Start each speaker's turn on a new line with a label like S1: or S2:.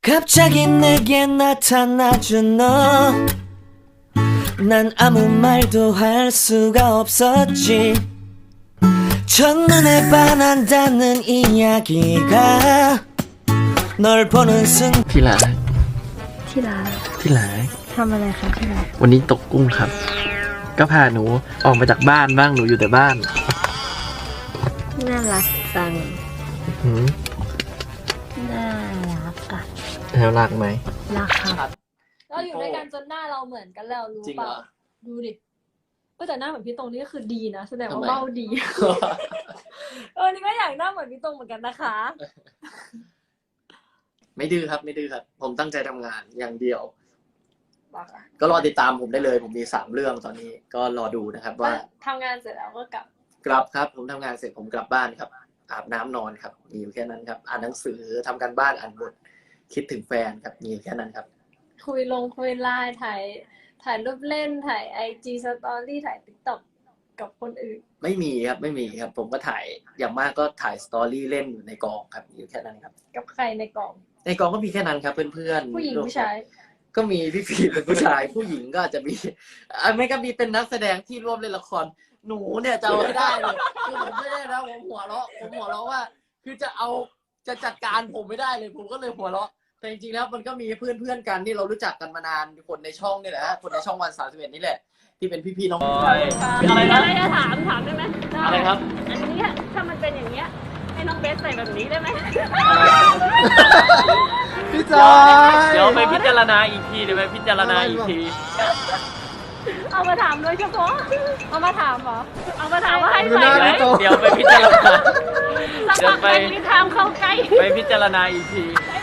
S1: 갑자기 내게 나타나준 너 난 아무 말도 할 수가 없었지 첫눈에 반한다는 이야기가 널 보는 순
S2: ที่ร้าน
S3: ที่ร้าน
S2: ที่ร้าน
S3: ทำอะไรคะที่ร้าน
S2: วันนี้ตกกุ้งครับ ก็พาหนูออกมาจากบ้านบ้างหนูอยู่แต่บ้าน
S3: น่ารักจัง
S2: หืม
S3: น่ารักอะ
S2: แล้วรักไหม
S3: รักครับ
S4: เราอยู่ด้วยกันจนหน้าเราเหมือนกันแล้วรู้
S5: จริง
S4: เป
S5: เหร
S4: ล่า
S5: อ
S4: ดูดิแต่หน้าเหมือนพี่ตรงนี่ก็คือดีนะแสดงว่า
S5: ทำไม
S4: เบ้าดี นี่ก็อยากหน้าเหมือนพี่ตรงเหมือนกันนะคะ
S5: ไม่ดื้อครับไม่ดื้อครับ ผมตั้งใจทำงานอย่างเดียว ก็รอติดตามผมได้เลย ผมมี3เรื่องตอนนี้ก็รอดูนะครับ ว่า
S4: ทำงานเสร็จแล้วก็กลับ
S5: กลับครับ ผมทำงานเสร็จผมกลับบ้านครับ อาบน้ำนอนครับมีอยู่แค่นั้นครับ อ่านหนังสือทำการบ้านอ่านบทคิดถึงแฟนครับมีอยู่แค่นั้นครับ
S4: คุยไลน์ถ่ายรูปเล่นถ่ายIG Story ถ่ายTikTok กับคนอื่น
S5: ไม่มีครับไม่มีครับ ผมก็ถ่ายอย่างมากก็ถ่ายสตอรี่เล่นอยู่ในกองครับอยู่แค่นั้นครับ
S4: กับใครในกล่อง
S5: ในกองก็มีแค่นั้นครับเพื่อนๆ
S4: ผู้หญิงผู้ชาย
S5: ก็มีพี่ฟีเป็นผู้ชาย ผู้หญิงก็อาจจะมีไม่ก็มีเป็นนักแสดงที่ร่วมเล่นละครหนูเนี่ยจะเอาให้ได้เลยคือผมไม่ได้นะผมหัวเราะว่า คือจะจัดการผมไม่ได้เลยผมก็เลยหัวเราะแต่จริงๆแล้วมันก็มีเพื่อนๆกันที่เรารู้จักกันมานานคนในช่องนี่แหละฮะคนในช่องวัน31นี่แหละ ที่เป็นพี่ๆน้อง
S6: อะไรนะ
S4: อะไรจะถามได้ไหม
S6: อะไรครับ
S4: อันนี้ถ้ามันเป็นอย่างเงี้ยให้น้องเบสใส่แบบนี้ได้ไหม
S2: พี่จอย
S6: เดี๋ยวไปพิจารณาอีกทีเดี๋ยวไปพิจารณาอีกที
S4: เอามาถามโดยเฉพาะเอามาถามเหรอเอามาถามว่าให้
S2: ดูห
S4: ใส่
S2: น้า
S4: ไหม
S2: พี่โต
S6: เดี๋ยวไปพิจารณา
S4: สักพักไปมีทางเข้าใกล้
S6: ไปพิจารณาอีกที
S4: ให้